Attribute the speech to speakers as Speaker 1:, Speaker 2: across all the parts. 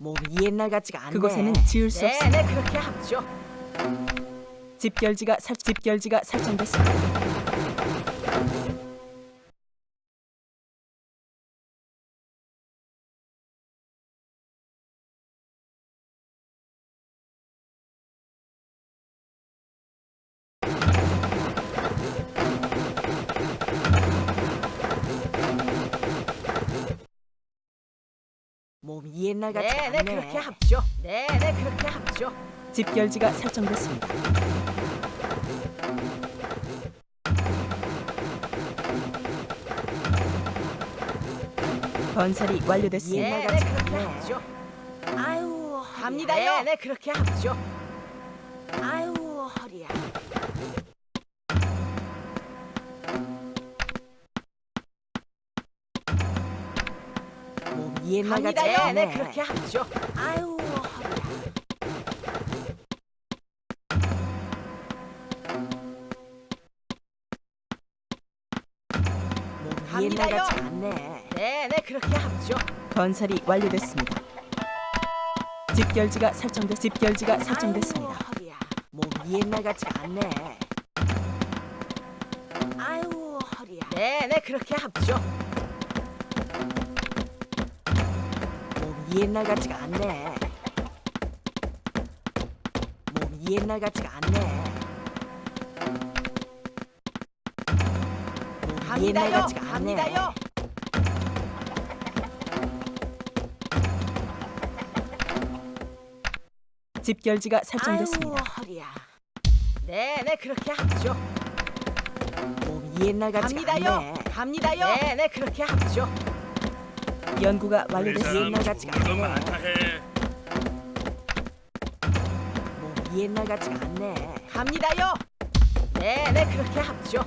Speaker 1: 몸이 옛날 같지가 않네.
Speaker 2: 그곳에는 지을 수 없습니다.
Speaker 1: 네, 그렇게 합죠.
Speaker 2: 집결지가 설정됐습니다.
Speaker 1: 몸이 옛날 같지가
Speaker 3: 네,
Speaker 1: 않네.
Speaker 3: 그렇게 합죠. 네, 그렇게 합죠.
Speaker 2: 집결지가 설정됐습니다. 건설이 완료됐습니다.
Speaker 1: 옛날
Speaker 3: 네,
Speaker 1: 같지가
Speaker 3: 그렇게
Speaker 1: 않네.
Speaker 3: 합죠.
Speaker 1: 아유,
Speaker 3: 갑니다요. 네, 그렇게 합죠.
Speaker 1: 아유, 허리야. 몸이 옛날 같지가
Speaker 3: 갑니다요.
Speaker 1: 않네.
Speaker 3: 네, 그렇게 합죠.
Speaker 1: 아유, 허리야. 몸이 옛날
Speaker 3: 갑니다요.
Speaker 1: 같지가 않네.
Speaker 3: 네, 그렇게 합죠.
Speaker 2: 건설이 완료됐습니다. 집결지가 설정됐습니다.
Speaker 1: 아유, 허리야. 몸이 옛날 같지가 않네. 아유, 허리야.
Speaker 3: 네, 그렇게 합죠.
Speaker 1: 몸이 옛날 같지가 않네. 몸이 옛날 같지가 않네. 몸이 옛날
Speaker 3: 갑니다요.
Speaker 1: 같지가 않네.
Speaker 3: 갑니다요.
Speaker 2: 집결지가
Speaker 1: 아유,
Speaker 2: 설정됐습니다.
Speaker 1: 허리야.
Speaker 3: 네, 그렇게 합죠.
Speaker 1: 몸이 옛날 같지가
Speaker 3: 갑니다요.
Speaker 1: 않네.
Speaker 3: 갑니다요. 네, 그렇게 합죠.
Speaker 2: 연구가
Speaker 4: 우리
Speaker 2: 완료됐습니다.
Speaker 4: 사람
Speaker 1: 옛날 같지가
Speaker 4: 좋은 거
Speaker 1: 않네.
Speaker 4: 많다 해.
Speaker 1: 몸이 옛날 같지가 않네.
Speaker 3: 갑니다요. 네, 그렇게 합죠.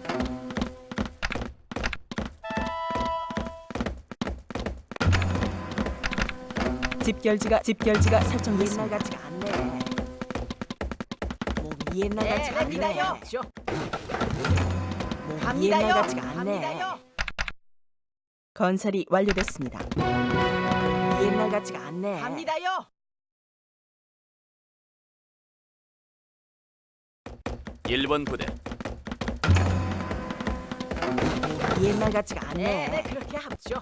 Speaker 2: 집결지가
Speaker 1: 옛날
Speaker 2: 설정됐습니다.
Speaker 1: 같지가 않네. 몸이 옛날
Speaker 3: 네,
Speaker 1: 같지가 않네.
Speaker 3: 갑니다요. 합죠.
Speaker 1: 몸이
Speaker 3: 갑니다요.
Speaker 1: 옛날 같지가 않네.
Speaker 3: 갑니다요.
Speaker 2: 건설이 완료됐습니다.
Speaker 1: 몸이 옛날 같지가 않네.
Speaker 3: 갑니다요.
Speaker 5: 일번 부대
Speaker 1: 몸이 옛날 같지가
Speaker 3: 네,
Speaker 1: 않네.
Speaker 3: 그렇게 합죠.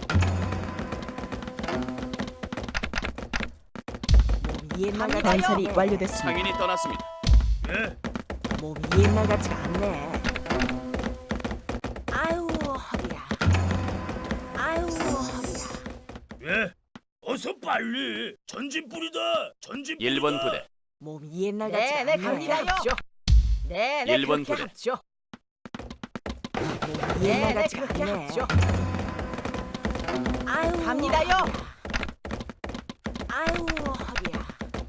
Speaker 1: 몸이 옛날
Speaker 3: 갑니다요.
Speaker 1: 같지가
Speaker 2: 건설이
Speaker 1: 않네.
Speaker 2: 완료됐습니다.
Speaker 5: 상인이 떠났습니다.
Speaker 4: 예?
Speaker 1: 몸이 옛날 같지가 않네. 아유, 허리야. 아유, 허리야.
Speaker 4: 예? 어서 빨리. 전진 뿌리다. 전진 뿌리다.
Speaker 5: 1번 부대
Speaker 1: 몸이 옛날 같지가
Speaker 3: 네,
Speaker 1: 않네.
Speaker 3: 그렇게 합죠. 네,
Speaker 5: 일본
Speaker 3: 그렇게
Speaker 5: 부대.
Speaker 3: 합죠.
Speaker 1: 몸이 옛날
Speaker 3: 네,
Speaker 1: 같지가
Speaker 3: 그렇게
Speaker 1: 않네.
Speaker 3: 합죠.
Speaker 1: 아유,
Speaker 3: 갑니다요.
Speaker 1: 허리야. 아유, 허리야.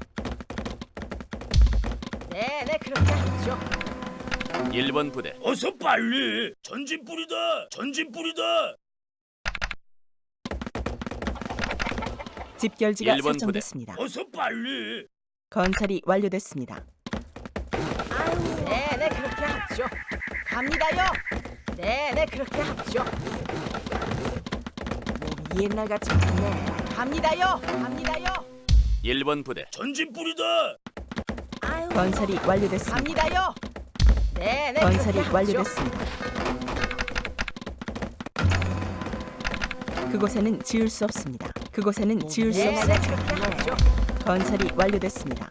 Speaker 3: 네, 그렇게 합죠.
Speaker 5: 1번 부대
Speaker 4: 어서 빨리. 전진 뿌리다. 전진 뿌리다.
Speaker 2: 집결지가
Speaker 5: 일본 부대.
Speaker 2: 설정됐습니다.
Speaker 4: 어서 빨리.
Speaker 2: 건설이 완료됐습니다.
Speaker 1: 아유,
Speaker 3: 네, 그렇게 합죠. 갑니다요. 네, 그렇게 합죠.
Speaker 1: 몸이 옛날 같지가 않네.
Speaker 3: 갑니다요. 갑니다요.
Speaker 5: 1번 부대
Speaker 4: 전진 뿌리다.
Speaker 1: 아유,
Speaker 2: 건설이 완료됐습니다.
Speaker 3: 갑니다요. 네,
Speaker 2: 건설이
Speaker 3: 그렇게 합죠.
Speaker 2: 완료됐습니다. 그곳에는 지을 수 없습니다. 그곳에는 지을 수
Speaker 3: 네,
Speaker 2: 없습니다.
Speaker 3: 그렇게 합죠.
Speaker 2: 건설이 완료됐습니다.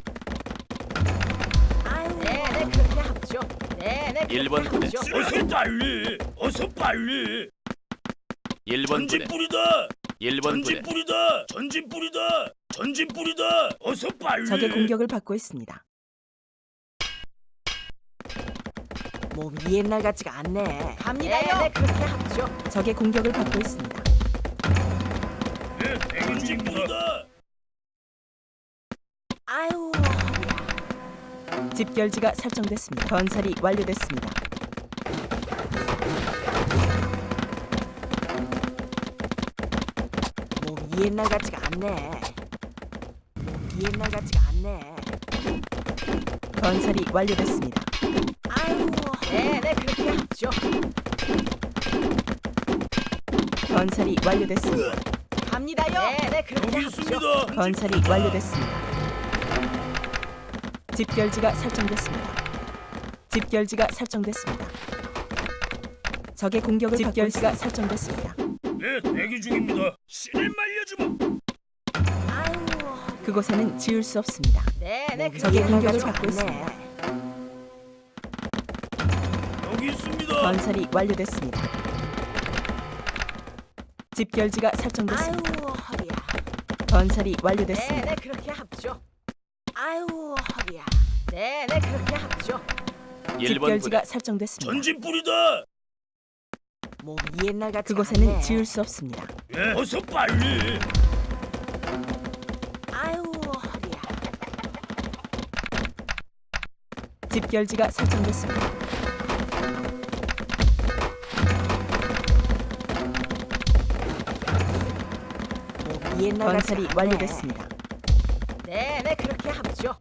Speaker 1: 아유,
Speaker 3: 네, 그렇게 합죠. 네, 그렇게
Speaker 5: 일본 부대.
Speaker 3: 합죠.
Speaker 4: 어서 빨리. 어서 빨리.
Speaker 5: 1번
Speaker 4: 전진
Speaker 5: 부대
Speaker 4: 뿌리다.
Speaker 5: 1번
Speaker 4: 전진
Speaker 5: 부대
Speaker 4: 뿌리다. 전진 뿌리다. 전진 뿌리다. 어서 빨리.
Speaker 2: 적의 공격을 받고 있습니다.
Speaker 1: 몸이 옛날 같지가 않네.
Speaker 3: 갑니다요. 네, 그렇게 합죠.
Speaker 2: 적의 공격을 받고 있습니다.
Speaker 4: 예, 대기 중입니다.
Speaker 1: 아유, 허리야.
Speaker 2: 집결지가 설정됐습니다. 건설이 완료됐습니다.
Speaker 1: 몸이 옛날 같지가 않네. 몸이 옛날 같지가 않네.
Speaker 2: 건설이 완료됐습니다.
Speaker 1: 아유,
Speaker 3: 네, 그렇게 합죠.
Speaker 2: 건설이 완료됐습니다.
Speaker 3: 갑니다요. 네, 그렇게
Speaker 4: 여기
Speaker 3: 하죠.
Speaker 4: 있습니다.
Speaker 2: 건설이 완료됐습니다. 집결지가 설정됐습니다. 집결지가 설정됐습니다. 적의 공격을 집결지가 설정됐습니다.
Speaker 4: 네, 대기 중입니다. 신을 말려주마.
Speaker 3: 아유,
Speaker 2: 그곳에는 지을 수 없습니다.
Speaker 3: 네, 그렇게
Speaker 2: 적의
Speaker 1: 옛날
Speaker 2: 공격을
Speaker 1: 같지가
Speaker 2: 받고
Speaker 1: 않네.
Speaker 2: 있습니다.
Speaker 4: 여기 있습니다.
Speaker 2: 건설이 완료됐습니다. 집결지가 설정됐습니다.
Speaker 3: 아유, 허리야.
Speaker 2: 건설이
Speaker 3: 네,
Speaker 2: 완료됐습니다.
Speaker 3: 그렇게 합죠. 아유, 허리야. 네, 그렇게 합죠.
Speaker 5: 1번 부대
Speaker 2: 집결지가 설정됐습니다.
Speaker 4: 전진 뿌리다.
Speaker 1: 몸이 옛날 같지가
Speaker 2: 그곳에는
Speaker 1: 않네.
Speaker 2: 지을 수 없습니다.
Speaker 4: 예, 어서 빨리.
Speaker 3: 아유, 허리야.
Speaker 2: 집결지가 설정됐습니다.
Speaker 1: 몸이 옛날 같지가
Speaker 2: 건설이
Speaker 1: 않네.
Speaker 2: 완료됐습니다.
Speaker 3: 네, 그렇게 합죠.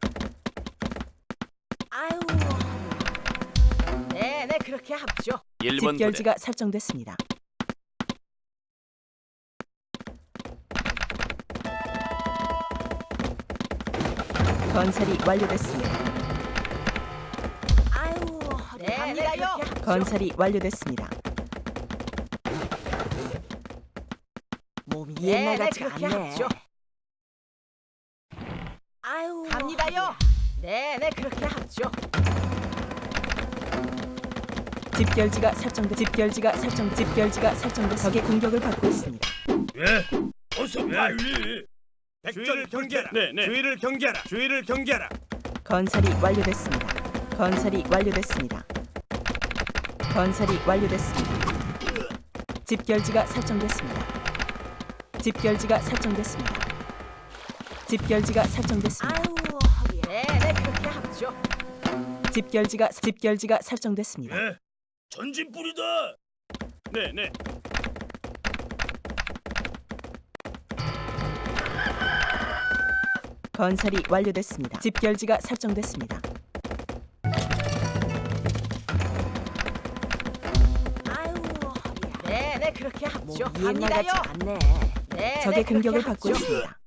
Speaker 3: 아유, 허리야. 네, 그렇게 합죠.
Speaker 5: 1번 부대
Speaker 2: 집결지가 설정됐습니다. 건설이 완료됐습니다.
Speaker 3: 아유, 허리야. 네, 갑니다요.
Speaker 2: 건설이 완료됐습니다.
Speaker 1: 몸이
Speaker 3: 네,
Speaker 1: 옛날 같지가
Speaker 3: 그렇게
Speaker 1: 않네.
Speaker 3: 합죠.
Speaker 1: 아유,
Speaker 3: 갑니다요.
Speaker 1: 허리야.
Speaker 3: 네, 그렇게 합죠.
Speaker 2: 집결지가 설정됐습니다. 적의 공격을 받고 있습니다.
Speaker 4: 예, 어서 빨리.
Speaker 6: 주의를 경계하라. 주의를 경계하라. 주의를 경계하라.
Speaker 2: 건설이 완료됐습니다. 건설이 완료됐습니다. 건설이 완료됐습니다. 집결지가 설정됐습니다. 집결지가 설정됐습니다. 집결지가 설정됐습니다.
Speaker 3: 아유, 허리야. 네, 그렇게 합죠.
Speaker 2: 집결지가 설정됐습니다.
Speaker 4: 예, 전진 뿌리다.
Speaker 6: 네.
Speaker 2: 건설이 완료됐습니다. 집결지가 설정됐습니다.
Speaker 3: 아유, 허리야. 네, 그렇게 합죠.
Speaker 1: 몸이 옛날
Speaker 3: 갑니다요.
Speaker 1: 같지가 않네.
Speaker 3: 네,
Speaker 2: 적의
Speaker 3: 그렇게
Speaker 2: 공격을
Speaker 3: 합죠.
Speaker 2: 받고 있습니다.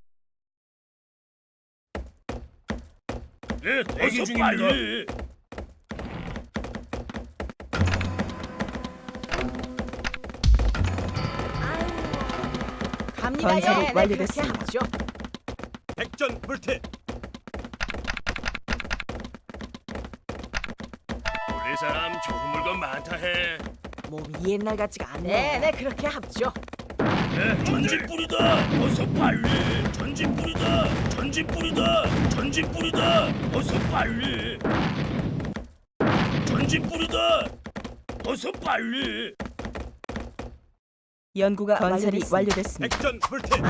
Speaker 4: 예, 대기
Speaker 6: 어서
Speaker 4: 중입니다.
Speaker 6: 빨리.
Speaker 3: 아유, 갑니다요.
Speaker 2: 건설이
Speaker 3: 네,
Speaker 2: 완료됐습니다.
Speaker 3: 그렇게 합죠.
Speaker 6: 백전 불태.
Speaker 4: 우리 사람 좋은 물건 많다 해.
Speaker 1: 몸이 옛날 같지가 않네.
Speaker 3: 네, 그렇게 합죠.
Speaker 4: 예, 전진 뿌리다. 어서 빨리. 전진 뿌리다. 전진 뿌리다. 전진 뿌리다. 어서 빨리. 전진 뿌리다. 어서 빨리.
Speaker 2: 연구가 건설이 완료됐습니다.
Speaker 6: 백전 불태.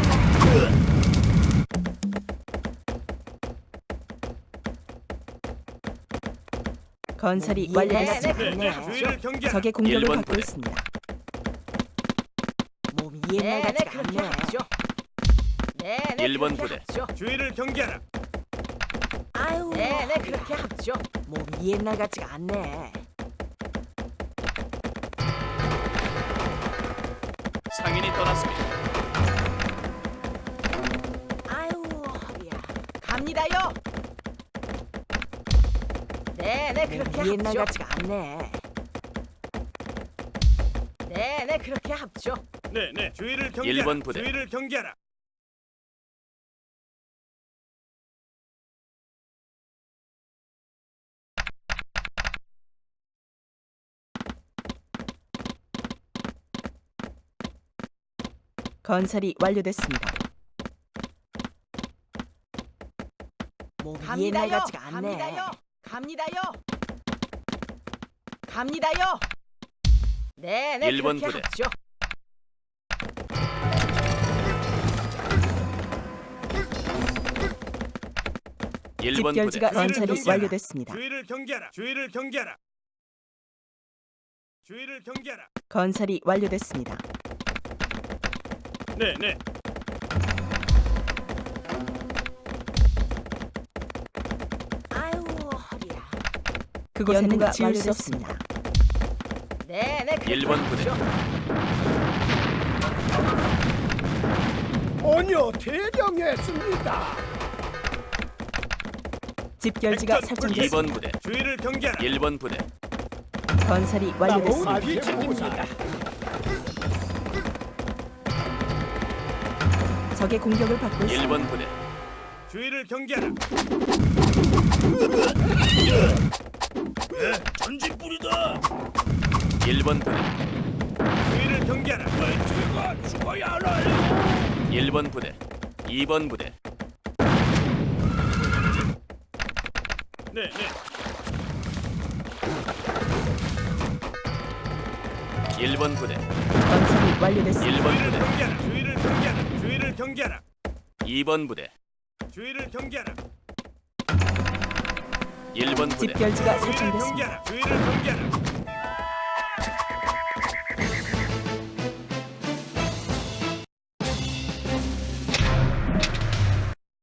Speaker 2: 건설이
Speaker 1: 몸이 옛날
Speaker 2: 완료됐습니다.
Speaker 1: 같지가
Speaker 6: 네.
Speaker 1: 않네.
Speaker 6: 주의를 경계하라.
Speaker 2: 적의 공격을
Speaker 5: 1번
Speaker 2: 받고
Speaker 5: 부대.
Speaker 2: 있습니다.
Speaker 1: 몸이 옛날
Speaker 3: 네,
Speaker 1: 같지가
Speaker 3: 그렇게
Speaker 1: 않네.
Speaker 3: 합죠. 네,
Speaker 5: 1번
Speaker 3: 그렇게
Speaker 5: 부대.
Speaker 3: 합죠.
Speaker 6: 주의를 경계하라.
Speaker 1: 아유,
Speaker 3: 네, 그렇게 합죠.
Speaker 1: 몸이 옛날 같지가 않네.
Speaker 5: 상인이 떠났습니다.
Speaker 3: 아유, 허리야. 갑니다요. 네, 그렇게
Speaker 1: 몸이 옛날
Speaker 3: 합죠.
Speaker 1: 같지가 않네.
Speaker 3: 네, 그렇게 합죠.
Speaker 6: 네. 주의를 경계하라.
Speaker 5: 1번 부대.
Speaker 6: 주의를 경계하라.
Speaker 2: 건설이 완료됐습니다.
Speaker 1: 몸이 옛날
Speaker 3: 갑니다요.
Speaker 1: 같지가 않네.
Speaker 3: 갑니다요. 네,
Speaker 5: 1번
Speaker 3: 그렇게
Speaker 5: 부대.
Speaker 3: 합죠.
Speaker 5: 일번
Speaker 2: 집결지가
Speaker 5: 부대
Speaker 2: 건설이
Speaker 6: 경계하라.
Speaker 2: 완료됐습니다.
Speaker 6: 주의를 경계하라. 주의를 경계하라. 주의를 경계하라.
Speaker 2: 건설이 완료됐습니다.
Speaker 6: 네.
Speaker 3: 아유, 허리야.
Speaker 2: 그곳에는 지을 수 없습니다.
Speaker 3: 네, 그렇게
Speaker 5: 1번 부대.
Speaker 3: 합죠.
Speaker 7: 전혀 대령했습니다.
Speaker 2: 집결지가
Speaker 6: 액션
Speaker 2: 설정됐습니다.
Speaker 5: 2번 부대,
Speaker 6: 주의를 경계하라.
Speaker 5: 1번 부대,
Speaker 2: 건설이 완료됐습니다.
Speaker 7: 비책입니다.
Speaker 2: 적의 공격을 받고 있습니다.
Speaker 5: 1번 부대,
Speaker 6: 주의를 경계하라.
Speaker 4: 전진 뿌리다.
Speaker 5: 1번 부대,
Speaker 6: 주의를 경계하라.
Speaker 4: 왜 제가 죽어야 하나요?
Speaker 5: 1번 부대, 2번 부대,
Speaker 6: 네, 네.
Speaker 5: 1번 부대,
Speaker 2: 건설이 완료됐습니다.
Speaker 5: 1번
Speaker 6: 주의를
Speaker 5: 부대,
Speaker 6: 경계하라. 주의를 경계하라. 주의를 경계하라.
Speaker 5: 2번 부대,
Speaker 6: 주의를 경계하라.
Speaker 5: 1번 부대,
Speaker 2: 집결지가
Speaker 6: 주의를
Speaker 2: 설정됐습니다.
Speaker 6: 경계하라. 주의를 경계하라.